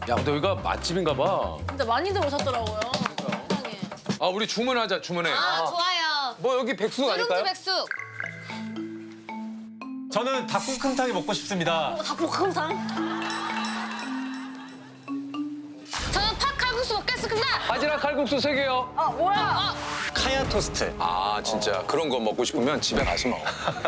야, 근데 여기가 맛집인가 봐. 진짜 많이들 오셨더라고요. 세상에. 아, 우리 주문하자, 주문해. 아, 좋아요. 뭐 여기 백숙 누룽지 아닐까요? 백숙. 저는 닭볶음탕이 먹고 싶습니다. 닭볶음탕? 저는 팥칼국수 먹겠습니다. 바지락 칼국수 3개요. 아, 뭐야? 카야 토스트. 아, 진짜 그런 거 먹고 싶으면 집에 가서 먹어.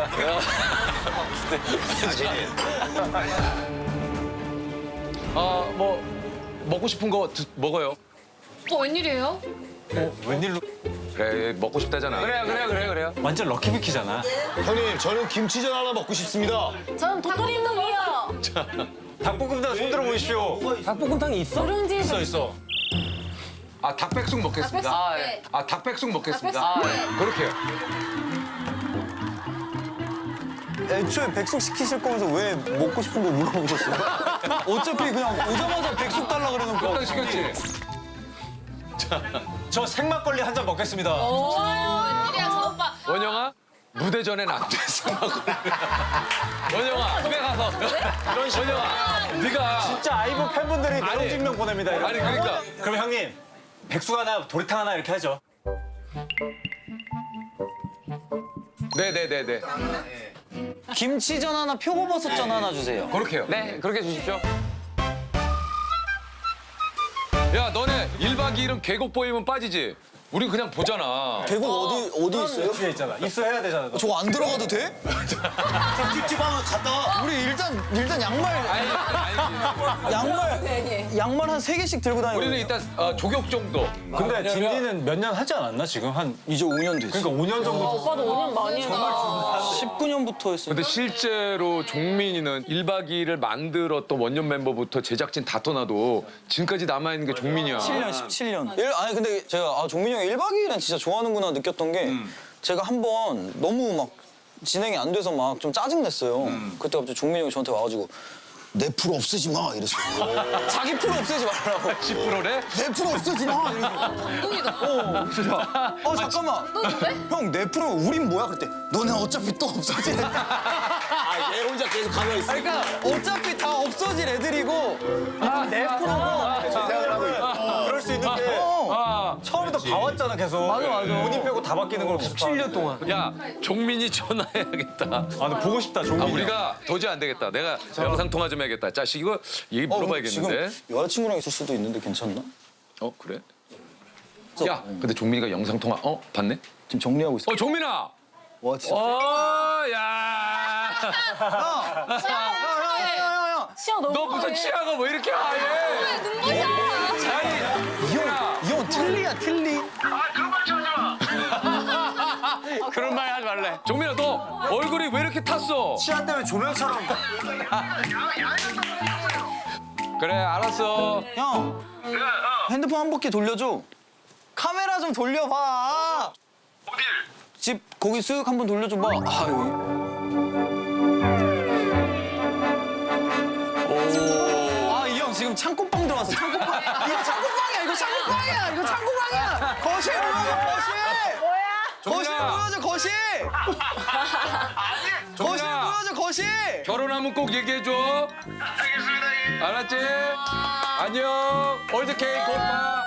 아, 뭐 먹고 싶은 거 먹어요. 웬일이에요? 웬일로? 그래, 먹고 싶다잖아. 그래요. 완전 럭키비키잖아. 형님, 저는 김치전 하나 먹고 싶습니다. 저는 도토리묵이요. 닭볶음탕 손들어 보십시오. 닭볶음탕이 있어? 누룽지 있어. 아, 닭백숙 먹겠습니다. 닭백숙. 네. 아, 닭백숙 먹겠습니다. 닭백숙. 네. 그렇게요. 애초에 백숙 시키실 거면서 왜 먹고 싶은 거 물어보셨어요? 어차피 그냥 오자마자 백숙 달라 그러는 거. 딱 시켰지. 저 생막걸리 한 잔 먹겠습니다. 웬일이야, 저 오빠. 원영아, 무대 전엔 안 됐어. 원영아, 집에 가서. 원영아, 네가. 진짜 아이브 팬분들이 내용 증명 보냅니다. 이렇게. 아니, 그러니까. 그럼 형님, 백숙 하나, 도리탕 하나 이렇게 하죠. 네네네네. 김치전 하나, 표고버섯전 하나 주세요. 그렇게요. 네, 그렇게 주십시오. 야, 너네 1박 2일은 계곡 보이면 빠지지? 우린 그냥 보잖아. 계곡 어디 있어요? 뒤에 있잖아. 입수해야 되잖아. 너. 저거 안 들어가도 돼? 찝찝하면 갔다 와. 우리 일단 양말 아니. 양말 한 3개씩 들고 다니고. 우리는 일단 조격 정도. 근데 딘딘은 몇 년 하지 않았나 지금? 한 이제 5년 됐어. 그러니까 5년 정도. 오빠도 5년 많이 했다. 19년부터 했어. 근데 실제로 종민이는 1박 2일을 만들었던 원년 멤버부터 제작진 다 떠나도 지금까지 남아있는 게 종민이야. 17년. 아니 근데 제가 종민이 형이 1박 2일은 진짜 좋아하는구나 느꼈던 게 제가 한 번 너무 막 진행이 안 돼서 막 좀 짜증냈어요. 그때 갑자기 종민이 형이 저한테 와가지고 내 프로 없애지 마 이랬어요. 자기 프로 없애지 말라고. 10%래? 내 프로 없애지 마. 감동이다. 잠깐만. 형 내 프로 우린 뭐야? 그랬대. 너네 어차피 또 없어질 애들. 얘 혼자 계속 가만히 있어. 그러니까 어차피 다 없어질 애들이고 내 프로가 그럴 수 있는 게 처음부터 봐왔잖아 계속. 맞아. 본인 빼고 다 바뀌는 걸 17년 동안. 야, 종민이 전화해야겠다. 아, 근데 보고 싶다, 종민이. 우리가 도저히 안 되겠다. 내가 영상 통화 좀 해야겠다. 자, 이거 얘기 물어봐야겠는데. 지금 여자친구랑 있을 수도 있는데 괜찮나? 그래? 야, 근데 종민이가 영상 통화 봤네? 지금 정리하고 있어. 종민아. 와 진짜. 야. 치아 너무 너 무슨 치아가 왜 이렇게 하얘? 눈부셔. 이 형 틀리야 틀리. 그런 말 하지 말래. 종민아, 너 얼굴이 왜 이렇게 탔어? 치아 때문에 조명처럼. 그래, 알았어. 형 핸드폰 한 바퀴 돌려줘. 카메라 좀 돌려봐. 어딜? 집 거기 쓱 한번 돌려줘봐. 이 형 지금 창고방 들어왔어. 창고방. 이거 창고방이야. 이거 창고방이야. 거실 보여줘. 거실 보여줘. 거실. 거실 종민아, 보여줘. 거실. 결혼하면 꼭 얘기해줘. 알겠습니다. 예. 알았지? 안녕. 올드 케이크 굿바.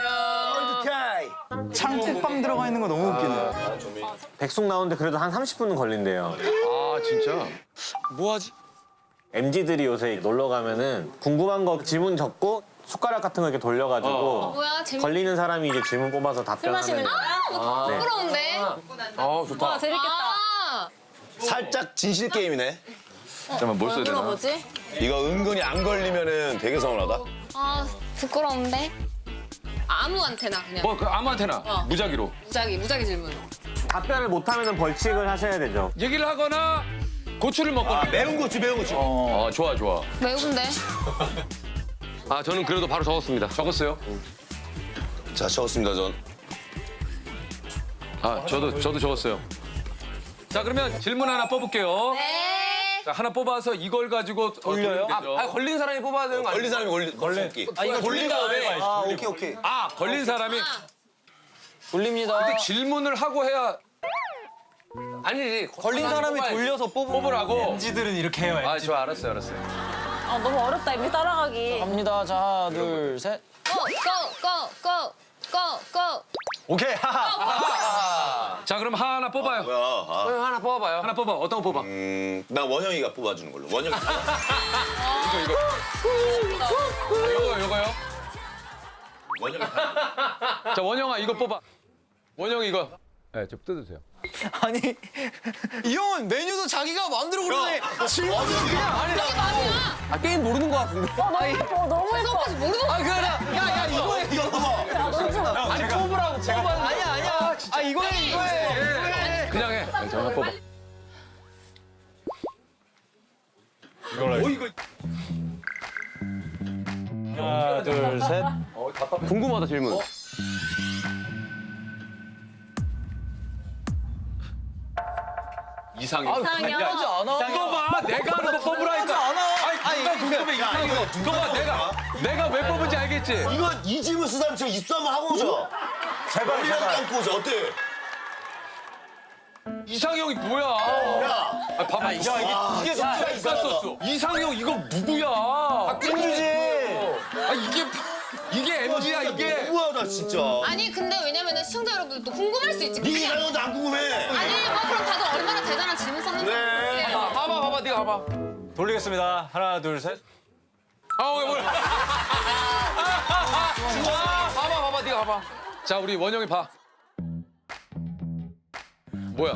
창고방 들어가 있는 거 너무 웃기네. 백숙 나오는데 그래도 한 30분은 걸린대요. 아, 진짜? 뭐하지? MZ들이 요새 놀러 가면은 궁금한 거 질문 적고 숟가락 같은 거 이렇게 돌려가지고 뭐야, 재밌. 걸리는 사람이 이제 질문 뽑아서 답변하는. 부끄러운데. 좋다. 재밌겠다. 아, 살짝 진실 게임이네. 잠깐만, 뭘 써야 이거 되나? 뭐지? 이거 은근히 안 걸리면은 되게 서운하다. 아, 부끄러운데. 아무한테나 그냥. 뭐, 아무한테나. 무작위로. 무작위 질문. 답변을 못하면 벌칙을 하셔야 되죠. 얘기를 하거나 고추를 먹거나. 매운 고추, 매운 고추. 좋아. 매운데? 저는 그래도 바로 적었습니다. 적었어요? 자, 적었습니다, 전. 저도 적었어요. 자, 그러면 질문 하나 뽑을게요. 네. 자, 하나 뽑아서 이걸 가지고 돌려요? 걸린 사람이 뽑아야 되는 거 걸린 사람이 걸리기. 이거 돌린 다음에. 오케이. 걸린 사람이. 돌립니다. 근데 질문을 하고 해야. 아니지. 걸린 사람이 돌려서 뽑으라고. 뽑으라고. MZ들은 이렇게 해요. 좋아, 알았어요. 아 너무 어렵다 이미 따라가기. 갑니다. 자, 하나, 둘, 셋. 고고고고고고고 오케이. 하하. 자 그럼 하나 뽑아요. 뭐야? 아, 하나 뽑아봐요. 하나 뽑아. 어떤 거 뽑아? 나 원영이가 뽑아주는 걸로. 원영이. 요거요. 원영이. 자 원영아 이거 뽑아. 원영이 이거. 네, 좀 뜯으세요. 아니, 이 형은 메뉴도 자기가 만들어 그러네. 질문을 그냥 안 해. 이게 말이야 아, 게임 모르는 거 같은데. 너무 예뻐. 그래서 모르는 거 아, 그래. 야, 이거 해, 이거. 아니, 뽑으라고, 뽑아. 아니야. 아, 이거 해. 그냥 해. 네, 저 하나 뽑아. 하나, 둘, 셋. 궁금하다 질문. 이상형. 이상형. 하지 않아. 이거 봐, 내가 하는 거 뽑으라니까. 아니, 궁금해 이상형. 이거 봐, 내가 왜 뽑은지 알겠지? 이거 이 질문 쓰면 제가 입수 한번 하고 오죠. 제발, 머리랑 제발. 감고 오죠. 어때? 이상형이 뭐야? 야, 아, 봐봐, 이게 진짜 있었어. 이상형 이거 누구야? 박진주지. 아 이게 MG야 이게. 너무하다 진짜. 아니 근데 왜냐면은 시청자 여러분들도 궁금할 수 있지 네 이상형도 안 궁금해. 아니 뭐 그럼 다들 얼마나 대단한 질문 썼는지 네. 모르겠어요. 봐봐, 네가 봐봐. 돌리겠습니다. 하나, 둘, 셋. 왜 뭐야? 봐봐, 네가 봐봐. 자, 우리 원영이 봐. 뭐야?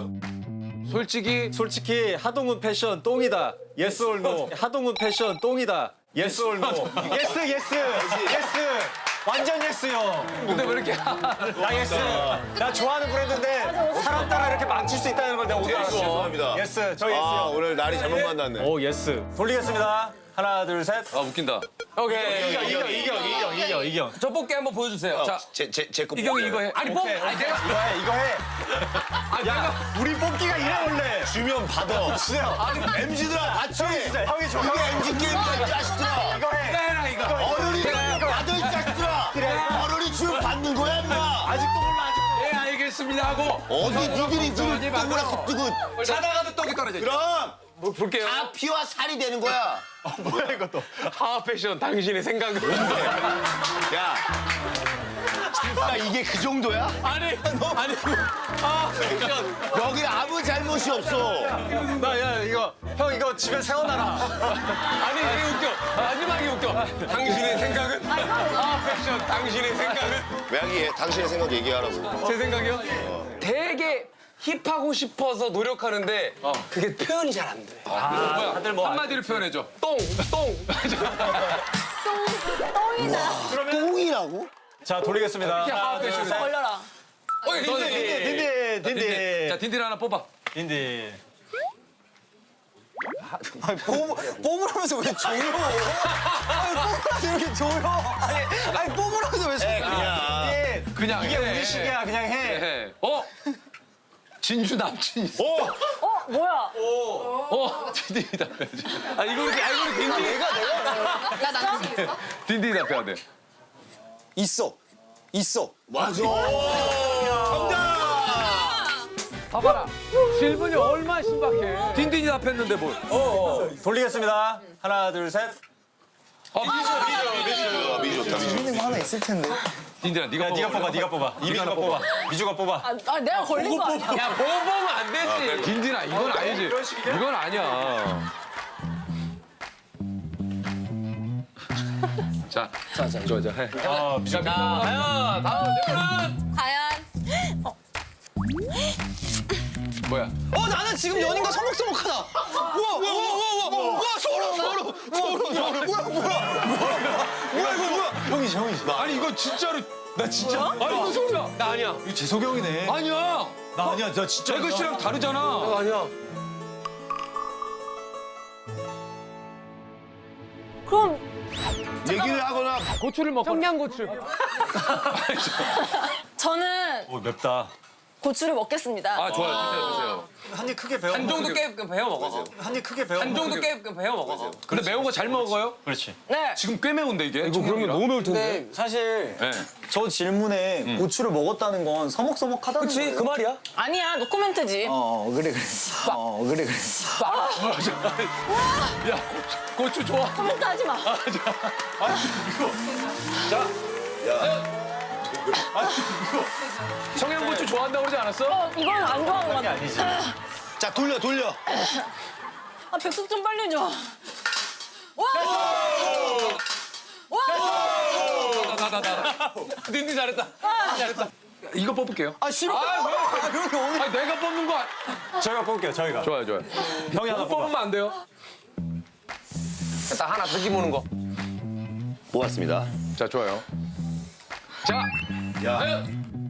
솔직히 하동훈 패션 똥이다. 예스 올 노. 하동훈 패션 똥이다. 예스 올 노. 예스. 완전 예스요. 근데 왜 이렇게 나 예스. 나 좋아하는 브랜드인데 사람 따라 이렇게 망칠 수 있다는 걸 내가 오늘 알았어. 죄송합니다. 예스. 저 아 예스요. 오늘 날이 잘못 만났네. 오 예스. 돌리겠습니다. 하나, 둘, 셋. 웃긴다. 오케이. 이경. 저 뽑기 한번 보여주세요. 자, 제거 이경이 이거 해. 아니 뭐? 오케이, 아니 내가 이거 해. 야, 우리 뽑기가 이래 원래. 주면 받아. 진짜. MZ들아 같이. 형이 줘. 이게 MZ 게임이야 이 자식들아. 이거 해. 해라 이거. 어른이 받아 이 자식들아. 어른이 주면 받는 거야 인마. 아직도 몰라. 예 알겠습니다 하고 어디 니들이 지금 동그랗게 뜨고. 자다가도 떡이 떨어져. 그럼 뭐 볼게요. 다 피와 살이 되는 거야. 뭐야 이것도. 하하 패션 당신의 생각은 야. 진짜 이게 그 정도야? 아니 하하 패션. 여기 아무 잘못이 없어. 나 이거 형 이거 집에 세워놔라. 아니 이게 웃겨. 마지막이 웃겨. 당신의 생각은 하하 패션 당신의 생각은 왜 하기에 당신의 생각 얘기하라고. 제 생각이요? 되게 힙하고 싶어서 노력하는데 그게 표현이 잘 안 돼. 뭐야? 다들 뭐 한마디로 표현해줘. 똥. 똥이라고? 자 돌리겠습니다. 하하 패션. 걸려라. 딘디. 자 딘딘 하나 뽑아. 딘디. 아니, 뽑으라면서 왜 조여? 아니, 뽑으라면서 이렇게 조여? 아니, 뽑으라면서 왜 조여? 그냥 이게 해. 우리식이야. 그냥 해. 해. 진주 남친 있어. 뭐야? 딘딘이 답해야지. 아 이거는 딘딘. 나 남친 있어? 딘딘이 답해야 돼. 있어. 맞아. 봐봐라. 질문이 얼마나 신박해. 딘딘이 답했는데 뭘. 돌리겠습니다. 하나, 둘, 셋. 미주 좋다. 재밌는 거 하나 있을 텐데. 딘딘아 네가 뽑아. 네가 뽑아. 이민이가 뽑아. 미주가 뽑아. 아 내가 걸린 거 아니야? 야 보고 보면 안 되지. 딘딘아 이건 아니지. 이건 아니야. 자, 좋아, 해. 아, 미주. 자, 다음 질문. 과연 뭐야? 나는 지금 연인과 서먹서먹하다. 우와, 소름. 형이지. 아니 이거 진짜로 나 진짜. 아니 이거 소리야. 나 아니야. 이거 재석이 형이네. 아니야. 나 아니야. 나 진짜. 재그 씨랑 다르잖아. 아니야. 그럼 얘기를 하거나 고추를 먹고. 청양고추. 저는 오, 맵다. 고추를 먹겠습니다. 아 좋아요. 드세요. 한 입 크게 배워. 한 정도 깨 배워 먹어. 한 입 크게 배워. 한 정도 깨 배워 먹어. 근데 매운 거 잘 먹어요? 그렇지. 네. 지금 꽤 매운데 이게. 이거 그러면 너무 매울 텐데. 근데 사실 네. 저 질문에 고추를 먹었다는 건 서먹서먹하다는 그치 거예요. 그 말이야. 아니야, 노코멘트지. 그래. 그래. 야 고추 좋아. 코멘트 하지 마. 청양고추 좋아한다고 그러지 않았어? 이건 안 좋아하는 것 같아. 아니지. 자 돌려. 아, 백숙 좀 빨리 줘. 와! 닌니 잘했다. 잘했다. 이거 뽑을게요. 아 싫어. 그런 게 오늘. 내가 뽑는 거. 저희가 뽑을게요. 저희가. 좋아요. 형이 하나 뽑아. 뽑으면 안 돼요? 딱 하나 뜯기 모는 거. 뽑았습니다. 자 좋아요. 자. 야.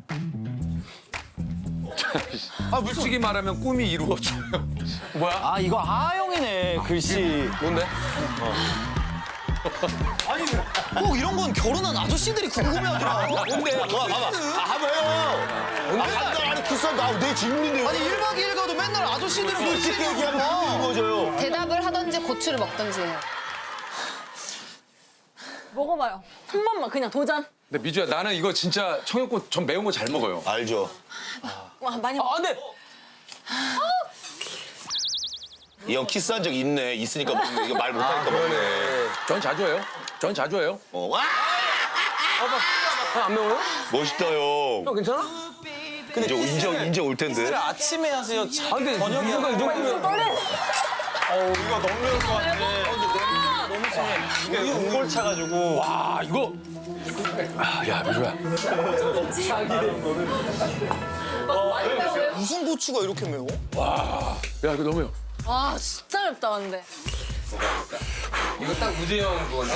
솔직히 말하면 꿈이 이루어져요. 뭐야? 아 이거 아영이네 글씨. 뭔데? 아니 꼭 이런 건 결혼한 아저씨들이 궁금해하더라. 뭔데? 봐봐. 한번 해요. 아니 키스한다. 내 질문인데요. 아니 1박 2일 가도 맨날 아저씨들은 솔직히 얘기하면 이루어져요. 대답을 하던지 고추를 먹던지 해요. 먹어봐요. 한 번만 그냥 도전. 근데 미주야 나는 이거 진짜 청양고추 전 매운 거 잘 먹어요. 알죠. 와, 많이 먹어. 아 근데 이 형 키스한 적 있네. 있으니까 먹네. 이거 말 못하니까 먹네. 전 자주 해요. 전 자주 해요. 와! 안 매워요? 멋있다 형. 형 괜찮아? 근데 이제 올 텐데. 키스를 아침에 하세요. 아 근데 저녁에 누가 이 정도면 떨려. 이거 너무 매울 것 같아. 너무 심해. 이게 운골 차가지고. 아 이거. 야 미주야. 무슨 고추가 이렇게 매워? 야 이거 너무 매워. 와, 진짜 맵다, 근데. 이거 딱 우재형 그건데.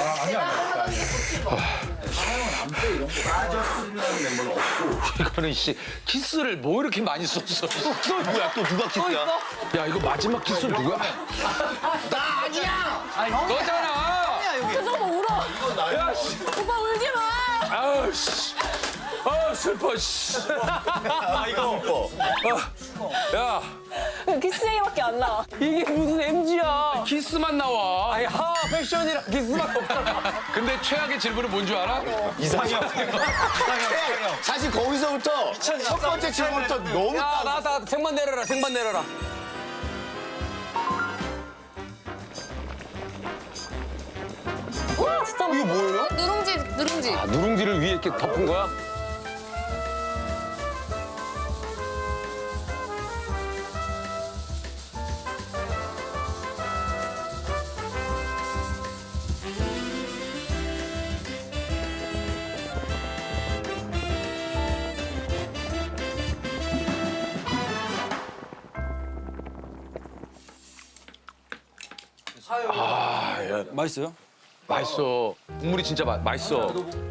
이거는 씨 키스를 뭐 이렇게 많이 썼어. 또 누구야? 또 누가 키스야? 야 이거 마지막 키스 누구야? 나 아니야! 너잖아. 그래서 오빠 울어. 야 씨. 오빠 울지 마. 아우 씨. 아 슬퍼 씨. 이거. 야 키스 얘기밖에 안 나와. 이게 무슨 MG야? 키스만 나와. 아니 하 패션이랑 기스만 없잖아. 근데 최악의 질문은 뭔 줄 알아? 이상형. 사실 거기서부터 첫 번째 질문부터 너무 야 나왔다 생반 내려라 생반 내려라. 와, 진짜 맛있어. 뭐예요? 누룽지. 아, 누룽지를 위에 이렇게 덮은 거야? 맛있어요? 맛있어. 국물이 진짜 맛있어.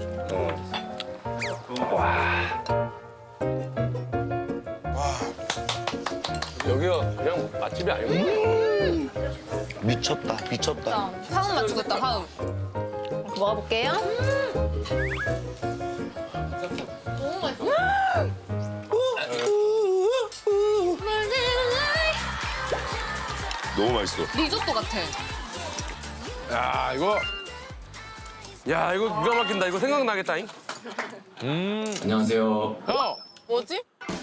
여기가 그냥 맛집이 아니고. 미쳤다. 미쳤다. 화음 맞추겠다 화음. 먹어볼게요. 너무 맛있어. 너무 맛있어. 리조또 같아. 야 이거 야 이거 기가 막힌다. 이거 생각나겠다잉. 안녕하세요. 형. 뭐지?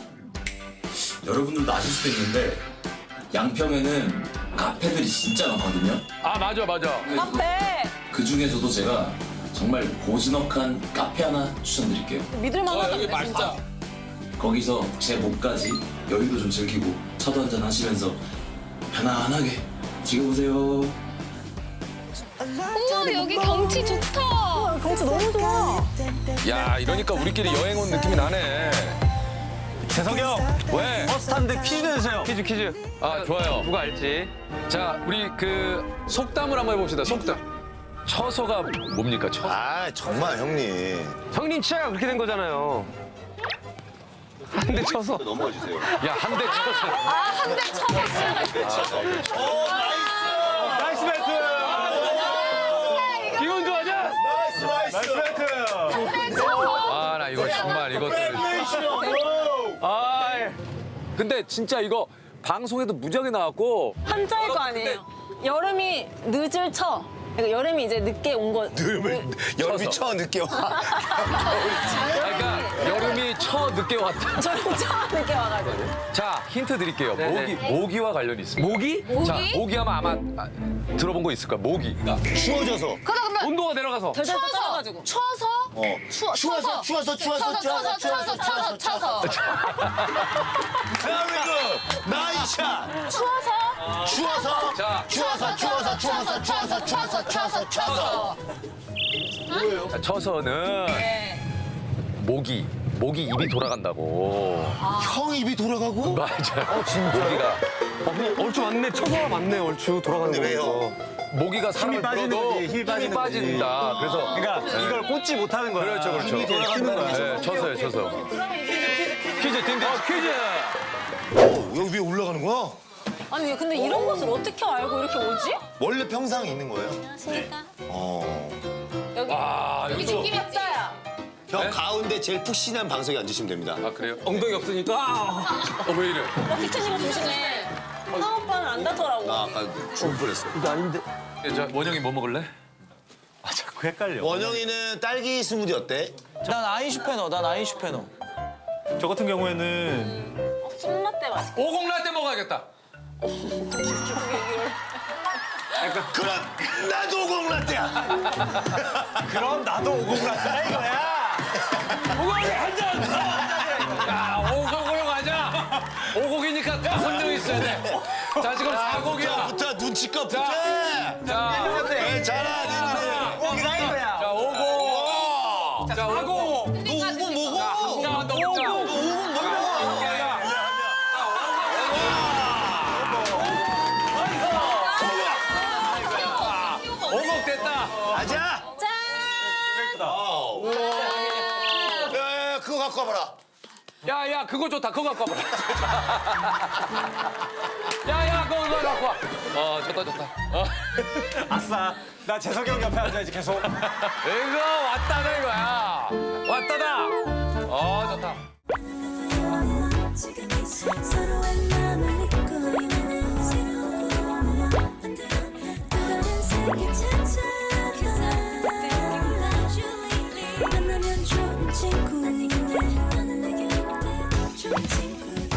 여러분들도 아실 수도 있는데 양평에는 카페들이 진짜 많거든요. 아 맞아. 카페. 그 중에서도 제가 정말 고즈넉한 카페 하나 추천드릴게요. 믿을만하다. 진짜. 거기서 제 몸까지 여유도 좀 즐기고 차도 한잔 하시면서 편안하게 즐겨보세요. 어머 여기 경치 좋다. 경치 너무 좋아. 야 이러니까 우리끼리 여행 온 느낌이 나네. 재석이 형. 왜? 버스 타는데 퀴즈 내주세요. 퀴즈. 아 좋아요. 누가 알지? 자 우리 그 속담을 한번 해봅시다. 속담. 처서가 뭡니까? 처서. 아 정말 형님. 형님 치아가 그렇게 된 거잖아요. 한 대 쳐서. 넘어가 주세요. 야 한 대 쳐서. 한 대 쳐서 나이스 배트. 기분 좋아져? 나이스 배트. 아 나 이거 정말 이것도. 아 근데 진짜 이거 방송에도 무지하게 나왔고 한자일 거 아니에요. 여름이 늦을 쳐. 그러니까 여름이 이제 늦게 온 거. 여름이 쳐 늦게 와. 그러니까 여름이 늦게 왔다. 저는 쳐 늦게 와가지고. 자, 힌트 드릴게요. 모기와 관련이 있습니다. 모기? 자, 모기하면 아마 들어본 거 있을 거야. 모기. 추워져서. 그러면 온도가 내려가서. 덜덜 떨어가지고. 추워서? 추워서. Very good. 나이샤. 추워서. 자, 추워서. 자, 쳐서는 모기 입이 돌아간다고. 형 입이 돌아가고? 맞아요. 모기가 얼추 맞네. 쳐서 맞네. 얼추 돌아가는 근데 왜요? 거. 모기가 사람을 빠지는 물어도 거지, 힘이 빠지는 거지. 빠진다. 그래서 그러니까 이걸 꽂지 못하는 거야. 그렇죠. 힘이 돌아간다는 거야. 네, 쳐서요. 퀴즈 딩딩 퀴즈. 여기 위에 올라가는 거야? 아니 근데 이런 것을 어떻게 알고 이렇게 오지? 원래 평상에 있는 거예요? 안녕하십니까. 아, 여기 이거 느낌이 없어요. 형 가운데 제일 푹신한 방석에 앉으시면 됩니다. 아, 그래요? 엉덩이 없으니까. 왜 이래? 피트니가 조심해. 하나 오빠는 안 닿더라고. 나 아까 죽을 뻔했어. 자, 원영이 뭐 먹을래? 자꾸 헷갈려. 원영이는 딸기 스무디 어때? 난 아인슈페너. 저 같은 경우에는 쑥라떼 맛있게. 오공라떼 먹어야겠다. 그럼 나도 공라떼야. 그럼 나도 오공라떼다 이거야. 오공이 한 잔. 야, 오공으로 가자. 오공이니까 딱 선정 있어야 돼. 자, 지금 4곡이야. 부터 눈치껏 부터. 자, 괜찮아, 니들. 오공이다 이거야. 자, 5곡. 자, 5곡. 너 5분 먹어. 자, 너 먹자. 5분 먹어. 오곡 됐다. 가자. 야, 그거 갖고 와봐라. 야, 그거 좋다. 그거 갖고 와봐. 야, 그거 갖고 와. 좋다. 아싸. 나 재석이 형 옆에 앉아야지 계속. 이거 왔다다 이거야. 왔다다. 좋다. 지금 이 서로의 마음을 잊고 있는 새로운 꿈을 만들어 또 다른 세계 찾아가 만나면 좋은 친구인데 나는 내게 올때 좋은 친구